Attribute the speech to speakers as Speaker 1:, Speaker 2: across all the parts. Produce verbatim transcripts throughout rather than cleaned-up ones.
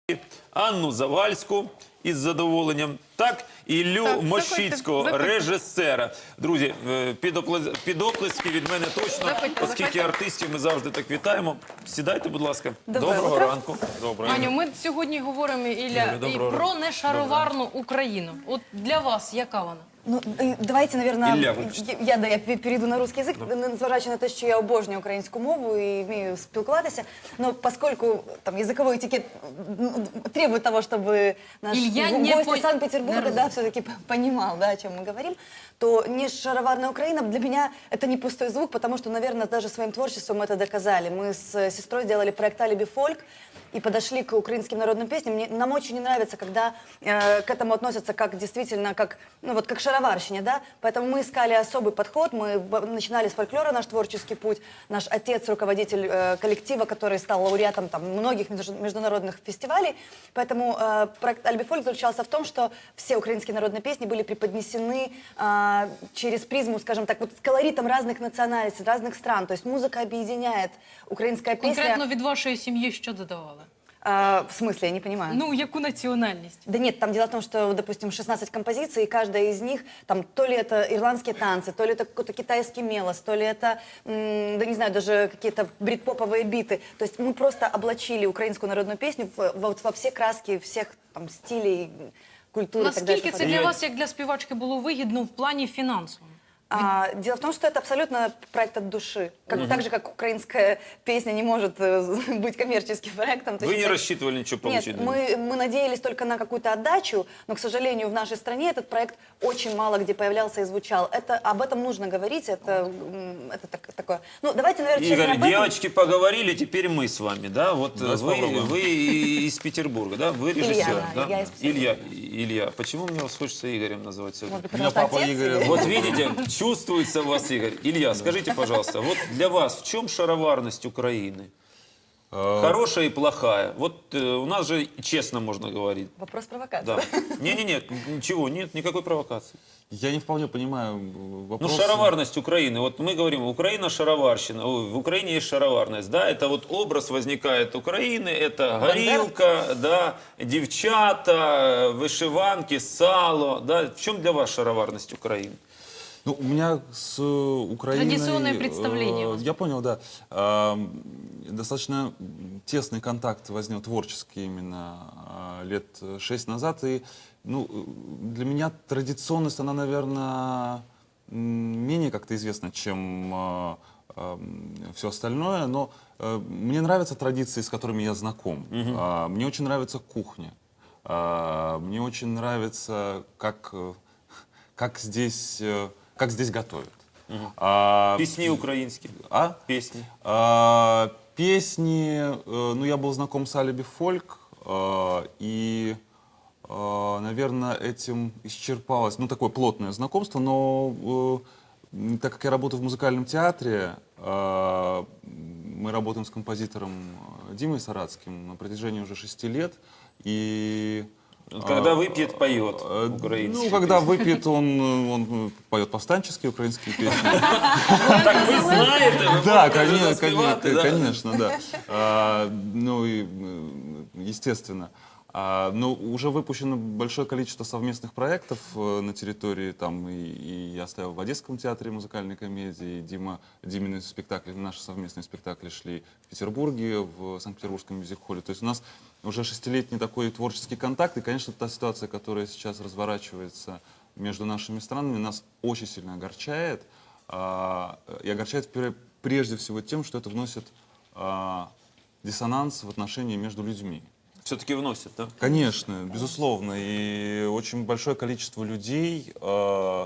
Speaker 1: Анну Завальську із задоволенням, так, Іллю
Speaker 2: Так,
Speaker 1: Мощицького,
Speaker 2: заходьте, заходьте.
Speaker 1: режисера. Друзі, е, під опли- під оплески від мене точно,
Speaker 2: Заходьте,
Speaker 1: оскільки
Speaker 2: заходьте.
Speaker 1: артистів ми завжди так вітаємо. Сідайте, будь ласка.
Speaker 3: Доброе
Speaker 1: Доброго
Speaker 3: утро.
Speaker 1: ранку. Доброго.
Speaker 2: Аню, ми сьогодні говоримо, Ілля,
Speaker 1: Юля,
Speaker 2: і
Speaker 1: доброго
Speaker 2: про
Speaker 1: ранку.
Speaker 2: нешароварну Україну. От для вас яка вона?
Speaker 3: Ну, э, давайте, наверное,
Speaker 1: Ілля, вибачте.
Speaker 3: я, я, да, я перейду на русский язык, незважаючи на те, що я обожнюю українську мову і вмію спілкуватися, но поскольку там языковой этикет м, требует того, чтобы наш
Speaker 2: Илья
Speaker 3: го-
Speaker 2: не
Speaker 3: гость
Speaker 2: пон-
Speaker 3: из Санкт-Петербурга,
Speaker 2: не
Speaker 3: да, все-таки понимал, да, о чем мы говорим, то не шароварная Украина для меня это не пустой звук, потому что, наверное, даже своим творчеством мы это доказали. Мы с сестрой сделали проект «Алиби фольк» и подошли к украинским народным песням. Мне, нам очень не нравится, когда э, к этому относятся как действительно, как, ну, вот, как шароварщине, да, поэтому мы искали особый подход, мы в- начинали с фольклора наш творческий путь, наш отец, руководитель э, коллектива, который стал лауреатом там, многих между- международных фестивалей, поэтому э, проект «Алиби фольк» заключался в том, что все украинские народные песни были преподнесены э, через призму, скажем так, вот с колоритом разных национальностей, разных стран, то есть музыка объединяет, украинская песня...
Speaker 2: Конкретно від вашої сім'ї що додавали?
Speaker 3: А, в смысле, я не понимаю.
Speaker 2: Ну, яку національність?
Speaker 3: Да нет, там дело в том, что, допустим, шестнадцать композиций, и каждая из них, там, то ли это ирландские танцы, то ли это какой-то китайский мелос, то ли это, м, да не знаю, даже какие-то брит-поповые биты. То есть мы просто облачили украинскую народную песню в- вот во все краски всех там стилей, культуры и так далее.
Speaker 2: Наскільки це для вас, як для співачки, було вигідно в плані фінансовому?
Speaker 3: А, дело в том, что это абсолютно проект от души. Как, Так же, как украинская песня не может э, быть коммерческим проектом.
Speaker 1: Вы
Speaker 3: точно
Speaker 1: не
Speaker 3: так-
Speaker 1: рассчитывали ничего
Speaker 3: Нет,
Speaker 1: получить?
Speaker 3: мы, мы надеялись только на какую-то отдачу, но, к сожалению, в нашей стране этот проект очень мало где появлялся и звучал. Это, об этом нужно говорить, это, м, это так- такое... Ну, давайте, наверное, честно
Speaker 1: Игорь,
Speaker 3: об этом.
Speaker 1: девочки поговорили, теперь мы с вами, да? Вот
Speaker 4: Давайте
Speaker 1: вы,
Speaker 4: попробуем.
Speaker 1: вы из Петербурга, да? Вы режиссер,
Speaker 3: Илья,
Speaker 1: да?
Speaker 3: я из Петербурга.
Speaker 1: Илья, Илья, почему мне вас хочется Игорем называть сегодня?
Speaker 3: Может быть,
Speaker 4: Меня
Speaker 3: потому что
Speaker 4: папа
Speaker 3: отец
Speaker 4: Игоря
Speaker 3: или-
Speaker 1: Вот видите, чувствуется у вас, Игорь. Илья, скажите, пожалуйста, вот для вас в чем шароварность Украины? Хорошая и плохая. Вот э, у нас же честно можно говорить.
Speaker 3: Вопрос провокации.
Speaker 1: Да. Не-не-не, ничего, нет, никакой провокации.
Speaker 4: Я не вполне понимаю э,
Speaker 1: Ну,
Speaker 4: вопрос.
Speaker 1: шароварность Украины. Вот мы говорим, Украина шароварщина, ой, в Украине есть шароварность, да, это вот образ возникает Украины, это горилка, да, девчата, вышиванки, сало, да. В чем для вас шароварность Украины?
Speaker 4: Ну, у меня с э, Украиной...
Speaker 2: Традиционное
Speaker 4: э,
Speaker 2: представление у вас.
Speaker 4: Я понял, да. Э, Достаточно тесный контакт возник, творческий именно, э, лет шесть назад. И ну, э, для меня традиционность, она, наверное, менее как-то известна, чем все остальное. Но э, мне нравятся традиции, с которыми я знаком. Э, Мне очень нравится кухня. Э, Мне очень нравится, как, э, как здесь... э, как здесь готовят. А,
Speaker 1: Песни украинские.
Speaker 4: а?
Speaker 1: Песни.
Speaker 4: А, песни, э, ну я был знаком с Алиби фольк, э, и, э, наверное, этим исчерпалось, ну такое плотное знакомство, но э, так как я работаю в музыкальном театре, э, мы работаем с композитором Димой Саратским на протяжении уже шести лет, и...
Speaker 1: Когда выпьет, поет
Speaker 4: Э,
Speaker 1: украинские
Speaker 4: Ну, когда
Speaker 1: песни.
Speaker 4: выпьет, он, он поет повстанческие украинские песни.
Speaker 1: Так вы знаете, вы
Speaker 4: Да,
Speaker 1: можете
Speaker 4: конечно,
Speaker 1: заспевать,
Speaker 4: конечно,
Speaker 1: да.
Speaker 4: конечно, да. А, Ну и э, естественно. А, Но уже выпущено большое количество совместных проектов э, на территории, там и, и я стоял в Одесском театре музыкальной комедии, и Дима, Димины спектакли, наши совместные спектакли шли в Петербурге, в Санкт-Петербургском мюзик-холле. То есть у нас уже шестилетний такой творческий контакт, и, конечно, та ситуация, которая сейчас разворачивается между нашими странами, нас очень сильно огорчает. А, И огорчает пре- прежде всего тем, что это вносит а, диссонанс в отношении между людьми.
Speaker 1: Все-таки вносят, да?
Speaker 4: Конечно, безусловно. И очень большое количество людей э,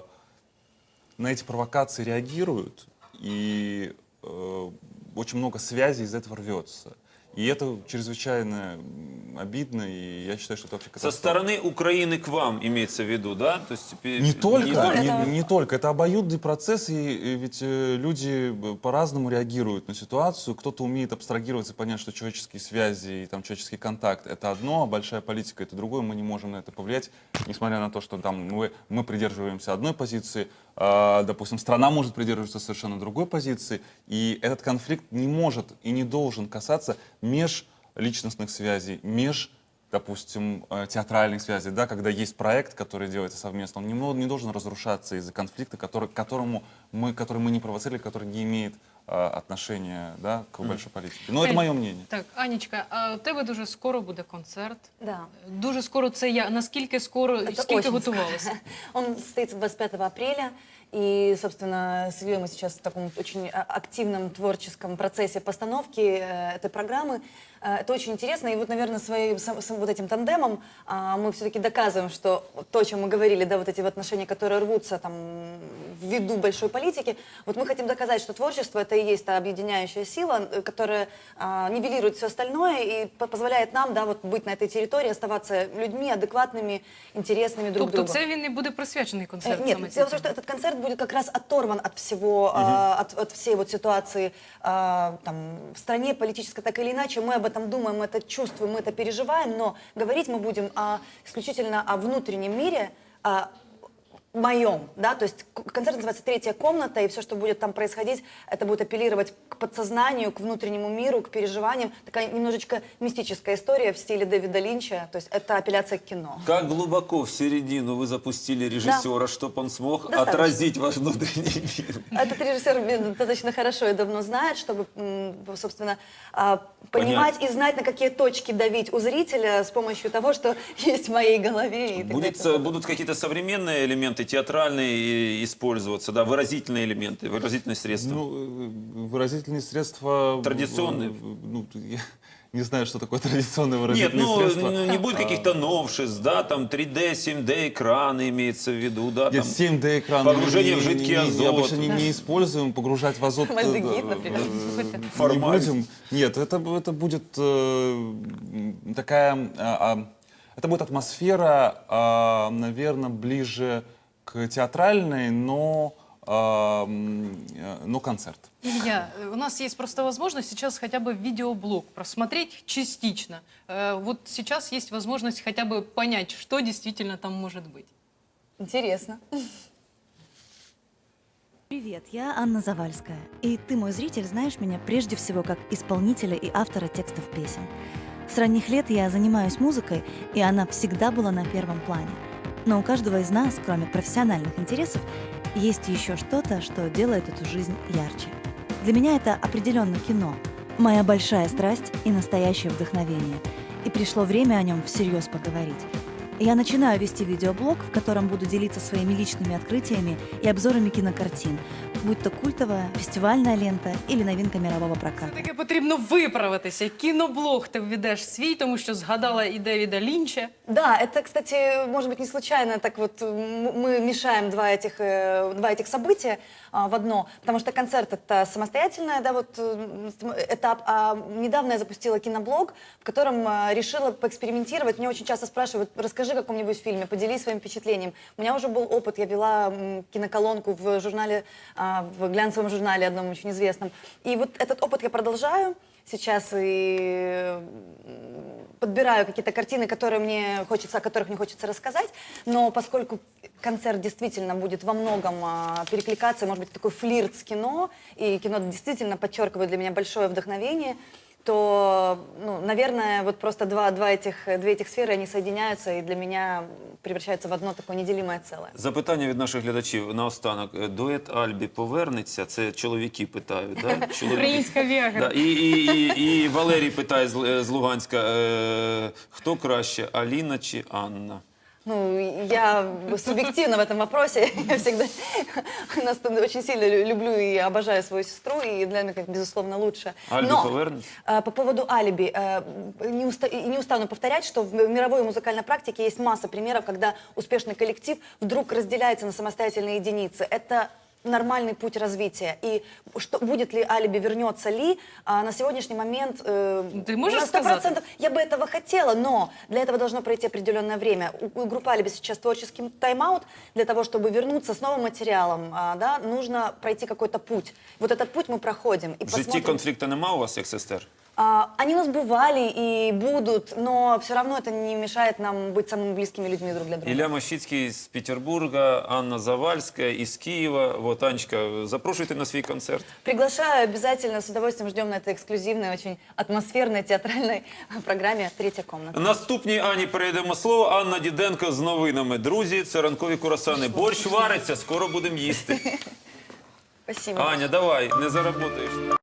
Speaker 4: на эти провокации реагируют, и э, очень много связей из этого рвется. И это чрезвычайно м, обидно, и я считаю, что это вообще
Speaker 1: Со
Speaker 4: катастрофа.
Speaker 1: стороны Украины к вам имеется в виду, да? То есть, пе-
Speaker 4: Не только,
Speaker 1: только-
Speaker 4: не, не только. Это обоюдный процесс, и, и ведь э, люди э, по-разному реагируют на ситуацию. Кто-то умеет абстрагироваться и понять, что человеческие связи и там, человеческий контакт — это одно, а большая политика — это другое. Мы не можем на это повлиять, несмотря на то, что там, мы, мы придерживаемся одной позиции, а, допустим, страна может придерживаться совершенно другой позиции, и этот конфликт не может и не должен касаться межличностных связей, меж допустим, э, театральных связей, да, когда есть проект, который делается совместно, он не, мо- не должен разрушаться из-за конфликта, который, к которому мы, который мы не провоцировали, который не имеет э, отношения, да, к большой политике. Но это
Speaker 2: Ель,
Speaker 4: мое мнение.
Speaker 2: Так, Анічка, а у тебе дуже скоро буде концерт.
Speaker 3: Да.
Speaker 2: Дуже скоро це я. Наскільки скоро,
Speaker 3: Это
Speaker 2: скільки
Speaker 3: очень
Speaker 2: готувалися?
Speaker 3: скоро. Он состоится двадцать пятого апреля. И, собственно, с Ильей мы сейчас в таком очень а, активном творческом процессе постановки э, этой программы. Э, это очень интересно. И вот, наверное, своим сам- сам вот этим тандемом а, мы все-таки доказываем, что то, о чем мы говорили, да, вот эти вот отношения, которые рвутся там ввиду большой политики, вот мы хотим доказать, что творчество — это и есть та объединяющая сила, э, которая а, нивелирует все остальное и по- позволяет нам, да, вот быть на этой территории, оставаться людьми адекватными, интересными друг
Speaker 2: Тобто
Speaker 3: другу.
Speaker 2: це він не буде присвячений
Speaker 3: Э,
Speaker 2: концерт
Speaker 3: Нет,
Speaker 2: саме цій
Speaker 3: дело в том,
Speaker 2: темі?
Speaker 3: что этот концерт будет как раз оторван от всего, а, от, от всей вот ситуации а, там, в стране политической, так или иначе. Мы об этом думаем, мы это чувствуем, мы это переживаем, но говорить мы будем о, исключительно о внутреннем мире, о моем, да, то есть к- концерт называется «Третья комната», и все, что будет там происходить, это будет апеллировать к подсознанию, к внутреннему миру, к переживаниям. Такая немножечко мистическая история в стиле Дэвида Линча, то есть это апелляция к кино.
Speaker 1: Как глубоко в середину вы запустили режиссера, чтобы он смог
Speaker 3: Достаточно.
Speaker 1: отразить ваш внутренний мир?
Speaker 3: Этот режиссер меня достаточно хорошо и давно знает, чтобы, м, собственно, а, понимать и знать, на какие точки давить у зрителя с помощью того, что есть в моей голове. И так
Speaker 1: Будет,
Speaker 3: далее.
Speaker 1: э, будут какие-то современные элементы, театральные и- использоваться, да, выразительные элементы, выразительные средства?
Speaker 4: Ну, э, выразительные средства...
Speaker 1: Традиционные?
Speaker 4: э, Ну, я не знаю, что такое традиционные
Speaker 1: Нет,
Speaker 4: выразительные
Speaker 1: ну,
Speaker 4: средства.
Speaker 1: ну, не будет каких-то новшеств, да, там три дэ, семь дэ экраны имеется в виду, да, там.
Speaker 4: Нет, семь дэ экран.
Speaker 1: погружение
Speaker 4: мы
Speaker 1: в
Speaker 4: не-
Speaker 1: жидкий
Speaker 4: не- не-
Speaker 1: азот.
Speaker 4: Обычно не, не используем, погружать в азот. э,
Speaker 3: Мальдегид,
Speaker 4: э,
Speaker 3: например.
Speaker 4: э, Не
Speaker 1: Формальность.
Speaker 4: будем. Нет, это, б- это будет э, м, такая... а, а, это будет атмосфера, наверное, ближе к театральной, но, а, м, э, но концерт.
Speaker 2: Илья, у нас есть просто возможность сейчас хотя бы видеоблог просмотреть частично. Э, Вот сейчас есть возможность хотя бы понять, что действительно там может быть.
Speaker 3: Интересно.
Speaker 5: Привет, я Анна Завальская. И ты, мой зритель, знаешь меня прежде всего как исполнителя и автора текстов песен. С ранних лет я занимаюсь музыкой, и она всегда была на первом плане. Но у каждого из нас, кроме профессиональных интересов, есть еще что-то, что делает эту жизнь ярче. Для меня это определенно кино, моя большая страсть и настоящее вдохновение. И пришло время о нем всерьез поговорить. Я начинаю вести видеоблог, в котором буду делиться своими личными открытиями и обзорами кинокартин, будь то культовая, фестивальная лента или новинка мирового проката.
Speaker 2: Таке потрібно виправитися. Кіноблог ти введеш свій, тому що згадала і Девіда Лінча.
Speaker 3: Да, это, кстати, может быть, не случайно, так вот м- мы мешаем два этих, э, два этих события а, в одно, потому что концерт — это самостоятельный, да, вот, э, этап, а недавно я запустила киноблог, в котором а, решила поэкспериментировать. Мне очень часто спрашивают: расскажи о каком-нибудь фильме, поделись своим впечатлением. У меня уже был опыт, я вела м, киноколонку в журнале, а, в глянцевом журнале одном очень известном, и вот этот опыт я продолжаю сейчас и подбираю какие-то картины, которые мне хочется, о которых мне хочется рассказать, но поскольку концерт действительно будет во многом а, перекликаться, может быть, такой флирт с кино, и кино действительно подчеркивает для меня большое вдохновение, то, ну, наверное, вот просто два, два этих, две этих сферы, они соединяются и для меня превращаются в одно такое неделимое целое.
Speaker 1: Запитання від наших глядачів наостанок. Е, Дует Альбі повернеться? Це чоловіки питають, да? Чоловіки.
Speaker 2: Українська Віагра.
Speaker 1: Да, і, і, і, і Валерій питає з, Л- з Луганська, е, хто краще, Аліна чи Анна?
Speaker 3: Ну, я субъективна в этом вопросе. Я всегда нас очень сильно лю- люблю и обожаю свою сестру, и для меня, безусловно, лучше.
Speaker 1: Альбі
Speaker 3: Но
Speaker 1: повернеться?
Speaker 3: э, по поводу алиби, э, не, уста- и не устану повторять, что в мировой музыкальной практике есть масса примеров, когда успешный коллектив вдруг разделяется на самостоятельные единицы. Это нормальный путь развития. И что, будет ли алиби, вернется ли, а, на сегодняшний момент э,
Speaker 2: Ты можешь
Speaker 3: на сто
Speaker 2: сказать?
Speaker 3: процентов я бы этого хотела, но для этого должно пройти определенное время. У, у группы «Алиби» сейчас творческий тайм-аут. Для того, чтобы вернуться с новым материалом, а, да, нужно пройти какой-то путь. Вот этот путь мы проходим. И
Speaker 1: В житті
Speaker 3: посмотрим.
Speaker 1: конфлікту нема у вас, як сестер?
Speaker 3: А, Они у нас бывали и будут, но все равно это не мешает нам быть самыми близкими людьми друг для друга.
Speaker 1: Ілля Мощицький з Петербурга, Анна Завальська із Києва. Вот, Анечка, запрошуйте на свій концерт.
Speaker 3: Приглашаю обязательно, с удовольствием ждем на этой эксклюзивной, очень атмосферной театральной программе «Третья комната».
Speaker 1: Наступній Ані передаємо слово. Анна Діденко з новинами. Друзі, це ранкові курасани. Борщ вариться, скоро будемо їсти.
Speaker 3: Спасибо.
Speaker 1: Аня, давай, не заработаєш.